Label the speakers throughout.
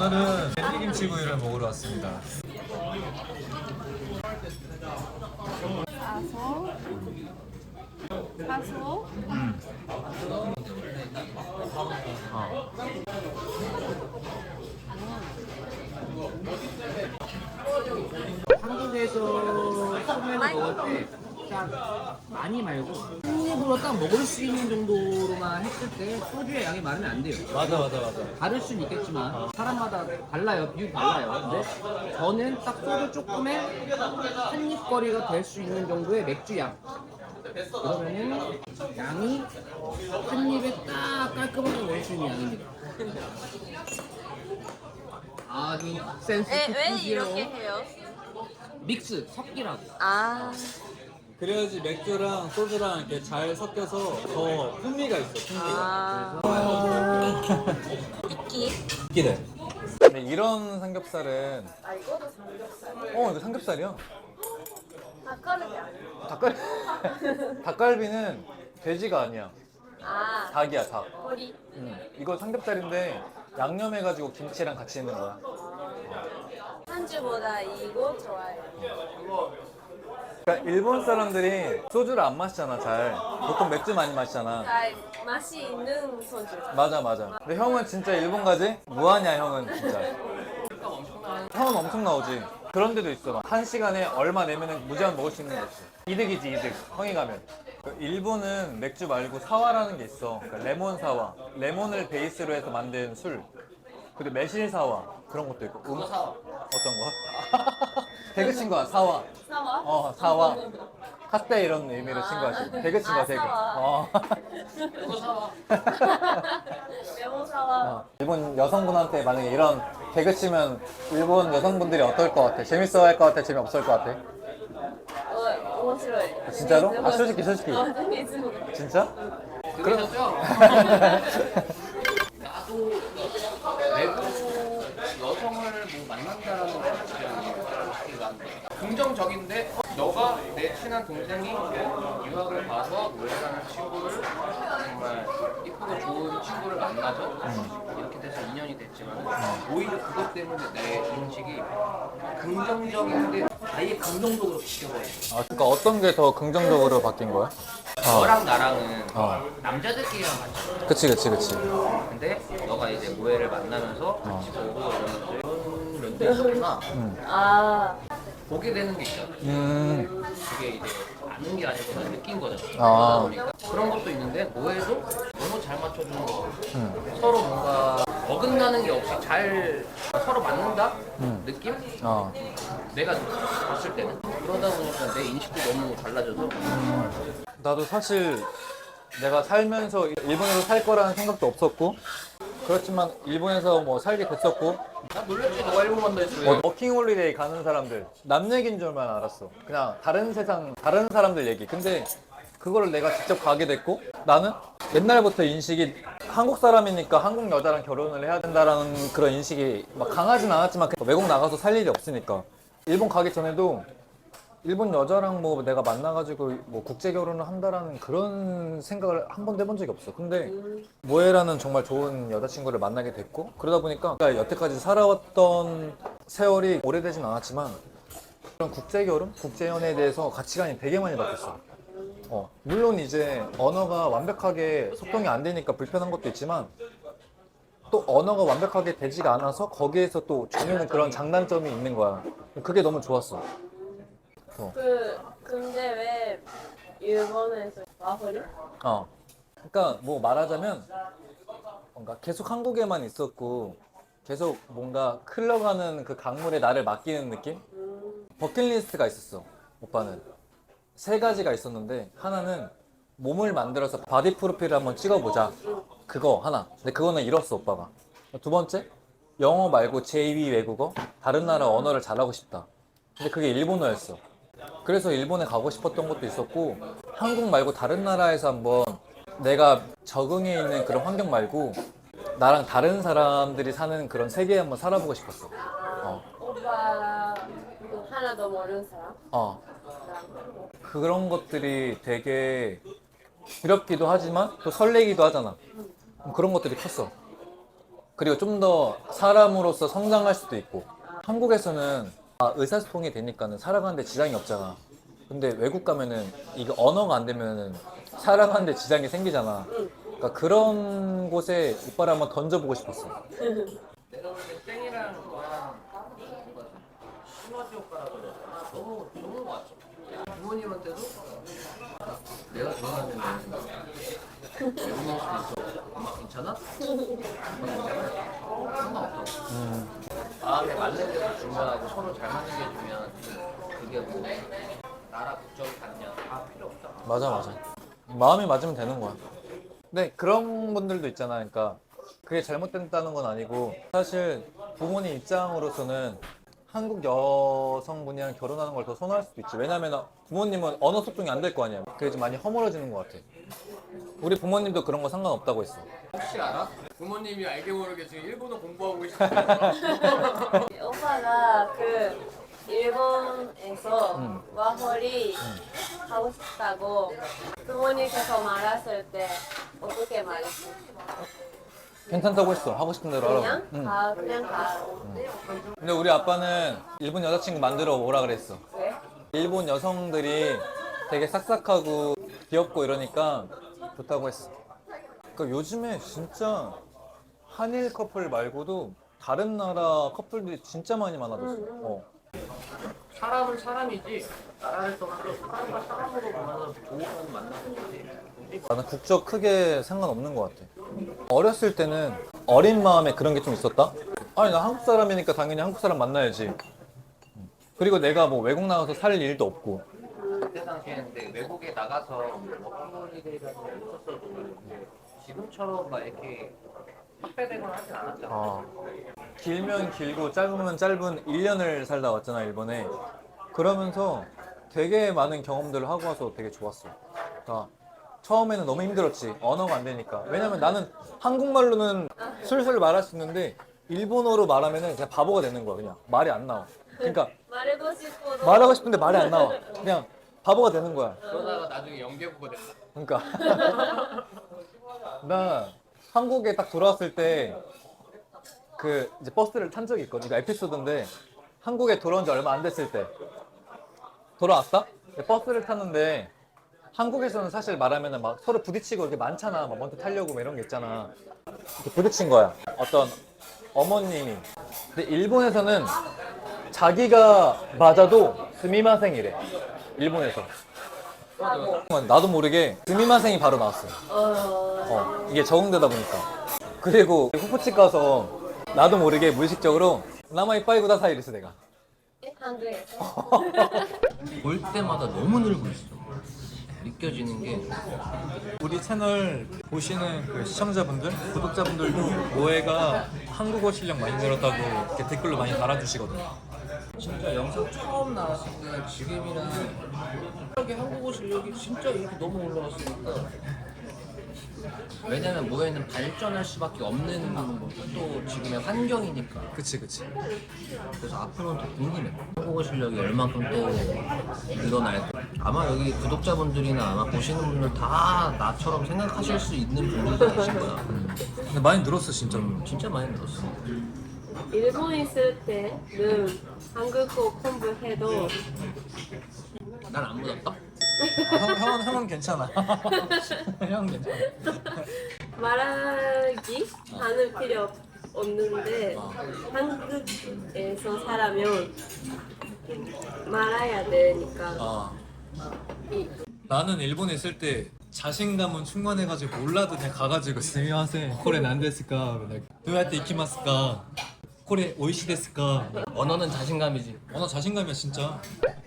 Speaker 1: 오늘은 밴디김치구이를 먹으러 왔습니다.
Speaker 2: 사소 사소
Speaker 3: 한국에서 소면을 먹을 때 딱 많이 말고 한 입으로 딱 먹을 수 있는 정도로만 했을 때 소주의 양이 많으면 안 돼요.
Speaker 1: 맞아.
Speaker 3: 다를 수는 있겠지만 사람마다 달라요. 비율이 달라요. 근데 저는 딱 소주 조금에 한 입거리가 될 수 있는 정도의 맥주 양. 그러면은 양이 한 입에 딱 깔끔하게 먹을 수 있는 양입니다. 아주 센스
Speaker 2: 왜
Speaker 3: 깊으시요.
Speaker 2: 이렇게 해요?
Speaker 3: 믹스 섞이라고.
Speaker 2: 아
Speaker 1: 그래야지 맥주랑 소주랑 이렇게 잘 섞여서 더 풍미가 있어. 풍미가.
Speaker 2: 이끼
Speaker 1: 기대. 근데 이런 삼겹살은
Speaker 2: 아 이거도 삼겹살
Speaker 1: 이거 삼겹살이야.
Speaker 2: 닭가슴이 아니야
Speaker 1: 닭갈비는 돼지가 아니야.
Speaker 2: 아
Speaker 1: 닭이야, 닭.
Speaker 2: 머리
Speaker 1: 이거 삼겹살인데 양념해가지고 김치랑 같이 있는 거야.
Speaker 2: 한주보다 이거 좋아해요
Speaker 1: 그러니까 일본 사람들이 소주를 안 마시잖아, 잘. 보통 맥주 많이 마시잖아.
Speaker 2: 잘 맛이 있는 소주
Speaker 1: 맞아. 근데 형은 진짜 일본 가지? 뭐하냐, 형은 진짜. 형은 엄청 나오지. 그런 데도 있어. 막 한 시간에 얼마 내면은 무제한 먹을 수 있는 거 있어. 이득이지, 이득. 형이 가면. 일본은 맥주 말고 사와라는 게 있어. 그러니까 레몬 사와. 레몬을 베이스로 해서 만든 술. 그리고 매실 사와. 그런 것도 있고.
Speaker 3: 사와.
Speaker 1: 어떤 거? 배그 친 거야, 사와.
Speaker 2: 사와?
Speaker 1: 사와. 카스테 이런 의미로 친 거지. 배그 친 거야, 배그.
Speaker 2: 사와.
Speaker 3: 이거 사와.
Speaker 2: 레몬 사와
Speaker 1: 일본 여성분한테 만약에 이런 개그 치면 일본 여성분들이 어떨 것 같아? 재밌어 할 것 같아? 재미없을 것 같아?
Speaker 2: 面白い
Speaker 1: 진짜로? 아, 솔직히.
Speaker 2: 재밌어
Speaker 1: 진짜?
Speaker 3: 들으셨죠? 나도 외국 여성을 뭐 만난다라는 것 자체가 긍정적인데 너가 내 친한 동생이 유학을 가서 노예라는 친구를 정말 이쁘고 좋은 친구를 만나서 이렇게 돼서 인연이 됐지만 오히려 그것 때문에 내 인식이 긍정적인데 아예 감정적으로 바뀌어버려.
Speaker 1: 그러니까 어떤 게 더 긍정적으로 바뀐 거야?
Speaker 3: 너랑 나랑은
Speaker 1: 어.
Speaker 3: 남자들끼리랑 맞죠.
Speaker 1: 그치.
Speaker 3: 근데 너가 이제 모해를 만나면서 같이 보고 이러면서 이런 면도 있었구나.
Speaker 2: 아
Speaker 3: 보게 되는 게 있잖아. 그게 이제 아는 게 아니고 난 느낀 거잖아. 그러다 보니까 그런 것도 있는데 모해도 너무 잘 맞춰주는 거 같고 서로 뭔가 어긋나는 게 없이 잘 서로 맞는다? 느낌? 내가 봤을 때는 그러다 보니까 내 인식도 너무 달라져서
Speaker 1: 나도 사실 내가 살면서 일본에서 살 거라는 생각도 없었고 그렇지만 일본에서 뭐 살게 됐었고
Speaker 3: 나 놀랬지. 너가 일본 간다 했어.
Speaker 1: 워킹 홀리데이 가는 사람들 남 얘기인 줄만 알았어. 그냥 다른 세상 다른 사람들 얘기. 근데 그거를 내가 직접 가게 됐고 나는 옛날부터 인식이 한국 사람이니까 한국 여자랑 결혼을 해야 된다라는 그런 인식이 막 강하진 않았지만 외국 나가서 살 일이 없으니까 일본 가기 전에도 일본 여자랑 뭐 내가 만나가지고 뭐 국제 결혼을 한다라는 그런 생각을 한 번도 해본 적이 없어. 근데 모에라는 정말 좋은 여자친구를 만나게 됐고 그러다 보니까 여태까지 살아왔던 세월이 오래되진 않았지만 그런 국제 결혼, 국제 연애에 대해서 가치관이 되게 많이 바뀌었어. 물론 이제 언어가 완벽하게 소통이 안 되니까 불편한 것도 있지만 또 언어가 완벽하게 되지가 않아서 거기에서 또 주는 그런 장단점이 있는 거야. 그게 너무 좋았어.
Speaker 2: 근데 왜 일본에서 와버려?
Speaker 1: 그러니까 뭐 말하자면 뭔가 계속 한국에만 있었고 계속 뭔가 흘러가는 그 강물에 나를 맡기는 느낌? 버킷리스트가 있었어. 오빠는 3가지가 있었는데 하나는 몸을 만들어서 바디 프로필을 한번 찍어보자. 그거 하나. 근데 그거는 이뤘어, 오빠가. 2번째, 영어 말고 제2 외국어, 다른 나라 언어를 잘하고 싶다. 근데 그게 일본어였어. 그래서 일본에 가고 싶었던 것도 있었고 한국 말고 다른 나라에서 한번 내가 적응해 있는 그런 환경 말고 나랑 다른 사람들이 사는 그런 세계에 한번 살아보고 싶었어.
Speaker 2: 오빠 하나도 모르는 사람?
Speaker 1: 그런 것들이 되게 두렵기도 하지만 또 설레기도 하잖아. 그런 것들이 컸어. 그리고 좀 더 사람으로서 성장할 수도 있고. 한국에서는 의사소통이 되니까는 살아가는데 지장이 없잖아. 근데 외국 가면은 이거 언어가 안 되면은 살아가는데 지장이 생기잖아. 그러니까 그런 곳에 오빠를 한번 던져보고 싶었어.
Speaker 3: 내가 볼 때 땡이랑 너랑 뭔가 시너지 효과라고 해야 되나? 너무 좋은 것 같아. 부모님한테도 내가 좋아하는 외국인 수도 있어. 엄마 괜찮아? 상관없어. 마음에 맞는 게 더 중요하고 서로 잘 맞는 게 중요하지. 그게 뭐 나라 국적이 같냐 다 필요 없잖아.
Speaker 1: 맞아. 마음이 맞으면 되는 거야. 근데 그런 분들도 있잖아. 그러니까 그게 잘못됐다는 건 아니고 사실 부모님 입장으로서는 한국 여성분이랑 결혼하는 걸 더 선호할 수도 있지. 왜냐면 부모님은 언어 소통이 안 될 거 아니야. 그게 좀 많이 허물어지는 것 같아. 우리 부모님도 그런 거 상관없다고 했어.
Speaker 3: 혹시 알아? 부모님이 알게 모르게 지금 일본어 공부하고 계시는
Speaker 2: 오빠가 그 일본에서 와홀이 하고 싶다고 부모님께서 말했을 때 어떻게 말했어?
Speaker 1: 괜찮다고 했어. 하고 싶은 대로 하라고.
Speaker 2: 그냥
Speaker 1: 응.
Speaker 2: 가, 그냥 가.
Speaker 1: 근데 우리 아빠는 일본 여자친구 만들어 오라 그랬어.
Speaker 2: 왜?
Speaker 1: 일본 여성들이 되게 싹싹하고 귀엽고 이러니까 좋다고 했어. 그러니까 요즘에 진짜 한일 커플 말고도 다른 나라 커플들이 진짜 많이 많아졌어.
Speaker 3: 사람은 사람이지 나라를 떠나서 사람과 사람으로 만나서 좋은 만나는 거지.
Speaker 1: 나는 국적 크게 상관없는 것 같아. 어렸을 때는 어린 마음에 그런 게 좀 있었다? 아니, 나 한국 사람이니까 당연히 한국 사람 만나야지. 그리고 내가 뭐 외국 나가서 살 일도 없고.
Speaker 3: 그때 당시에는 근데 외국에 나가서 워킹홀리데이라는 게 있었어도 지금처럼 막 이렇게 확대되거나 하진 않았잖아.
Speaker 1: 길면 길고 짧으면 짧은 1년을 살다 왔잖아, 일본에. 그러면서 되게 많은 경험들을 하고 와서 되게 좋았어. 그러니까 처음에는 너무 힘들었지. 언어가 안 되니까. 왜냐면 나는 한국말로는 술술 말할 수 있는데 일본어로 말하면은 그냥 바보가 되는 거야, 그냥. 말이 안 나와. 그러니까
Speaker 2: 말하고 싶어도
Speaker 1: 말하고 싶은데 말이 안 나와. 그냥 바보가 되는 거야.
Speaker 3: 그러다가 나중에 연계국어 됐다.
Speaker 1: 그러니까 나 한국에 딱 돌아왔을 때 그 이제 버스를 탄 적이 있거든. 이거 에피소드인데 한국에 돌아온 지 얼마 안 됐을 때 돌아왔다? 버스를 탔는데 한국에서는 사실 말하면은 막 서로 부딪히고 이렇게 많잖아. 막 먼저 타려고 뭐 이런 게 있잖아. 이렇게 부딪힌 거야. 어떤 어머님이. 근데 일본에서는 자기가 맞아도 스미마생이래. 일본에서. 나도 모르게 스미마생이 바로 나왔어. 이게 적응되다 보니까. 그리고 후프집 가서 나도 모르게 무의식적으로 나마이 빠이구다 사이리스 내가.
Speaker 2: 한국에서
Speaker 3: 볼 때마다 너무 늘고 있어. 느껴지는 게
Speaker 1: 우리 채널 보시는 그 시청자분들, 구독자분들도 모에가 한국어 실력 많이 늘었다고 이렇게 댓글로 많이 달아주시거든.
Speaker 3: 진짜 영상 처음 나왔을 때는 지금이랑 이렇게 한국어 실력이 진짜 이렇게 너무 올라갔으니까. 왜냐면 모에는 발전할 수밖에 없는 또 지금의 환경이니까.
Speaker 1: 그치.
Speaker 3: 그래서 앞으로는 더 궁금해. 한국어 실력이 얼만큼 또 늘어날까. 아마 여기 구독자분들이나 아마 보시는 분들 다 나처럼 생각하실 수 있는 분들도 계실 거야.
Speaker 1: 근데 많이 늘었어 진짜로.
Speaker 3: 진짜 많이 늘었어.
Speaker 2: 일본 있을 때는 한국어 공부해도
Speaker 3: 난 안 묻었다.
Speaker 1: 형은 괜찮아. 형은 괜찮아.
Speaker 2: 말하기 하는 필요 없는데 한국에서 살면 말해야 되니까
Speaker 1: 나는 일본에 있을 때 자신감은 충만해가지고 몰라도 그냥 가가지고 스미마셍 코레 난데스까 도야테 이키마스까 코레 오이시 데스까.
Speaker 3: 언어는 자신감이지.
Speaker 1: 나 자신감이야 진짜.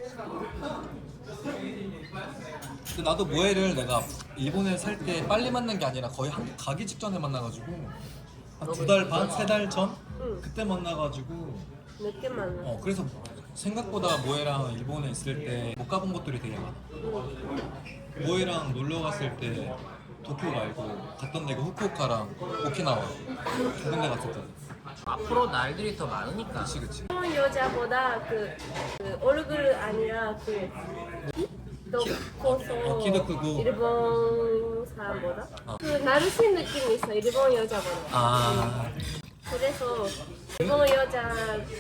Speaker 1: 근데 나도 모에를 내가 일본에 살 때 빨리 만난 게 아니라 거의 한국 가기 직전에 만나가지고 한 2달 반? 3달 전? 그때 만나가지고
Speaker 2: 늦게 만나.
Speaker 1: 그래서 생각보다 모에랑 일본에 있을 때 못 가본 곳들이 되게 많아. 모에랑 놀러 갔을 때 도쿄 말고 갔던 데가 후쿠오카랑 오키나와 두 군데 갔었거든.
Speaker 3: 앞으로 날들이 더 많으니까.
Speaker 1: 그치.
Speaker 2: 일본 여자보다 그 얼굴 아니라 커서
Speaker 1: 키도 크고.
Speaker 2: 일본 사람보다 그 나르신 느낌이 있어 일본 여자보다. 그래서 일본 여자가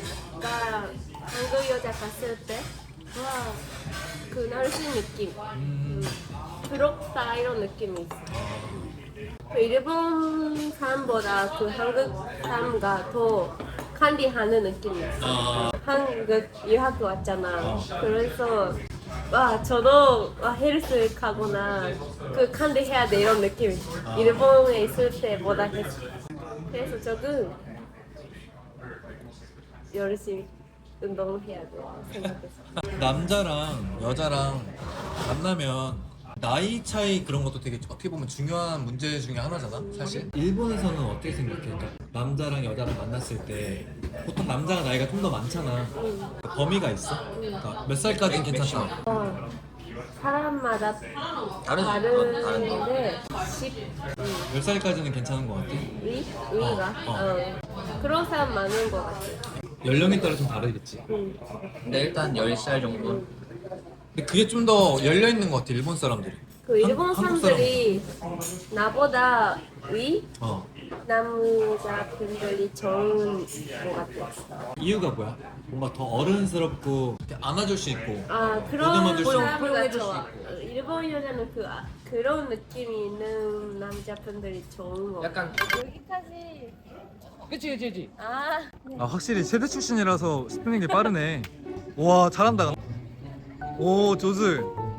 Speaker 2: 한국 여자 봤을 때 와, 그 날씨 느낌, 부럽다 이런 느낌이 있어. 그 일본 사람보다 그 한국 사람가 더 관리하는 느낌이 있어. 한국 유학 왔잖아. 그래서 와 저도 와, 헬스 가거나 그 관리해야 돼 이런 느낌이 있어. 일본에 있을 때보다 했어. 그래서 조금 열심히 운동해야 돼 생각해서.
Speaker 1: 남자랑 여자랑 만나면 나이 차이 그런 것도 되게 어떻게 보면 중요한 문제 중에 하나잖아 사실. 일본에서는 어떻게 생각해? 그러니까 남자랑 여자랑 만났을 때 보통 남자가 나이가 좀 더 많잖아. 범위가 있어? 그러니까 몇 살까지는 괜찮다.
Speaker 2: 사람마다
Speaker 3: 다르지.
Speaker 2: 다른데 10
Speaker 1: 몇 살까지는 괜찮은 것 같아?
Speaker 2: 위가 그런 사람 많은 것 같아.
Speaker 1: 연령에 따라 좀 다르겠지.
Speaker 3: 근데 일단 10살 정도.
Speaker 1: 근데 그게 좀 더 열려 있는 것 같아 일본 사람들이.
Speaker 2: 그 일본
Speaker 1: 한국
Speaker 2: 사람들이 나보다 위
Speaker 1: 어.
Speaker 2: 남자분들이 좋은 것 같아.
Speaker 1: 이유가 뭐야? 뭔가 더 어른스럽고 이렇게 안아줄 수 있고.
Speaker 2: 아 그런
Speaker 1: 보듬어줄 수 있고.
Speaker 2: 사람이 좋아. 일본 여자는 그런 느낌이 있는 남자분들이 좋은 거 같아.
Speaker 3: 약간
Speaker 2: 여기까지.
Speaker 3: 그치.
Speaker 2: 아
Speaker 1: 아 확실히 세대 출신이라서 스프링이 빠르네. 와 잘한다. 오 조즈.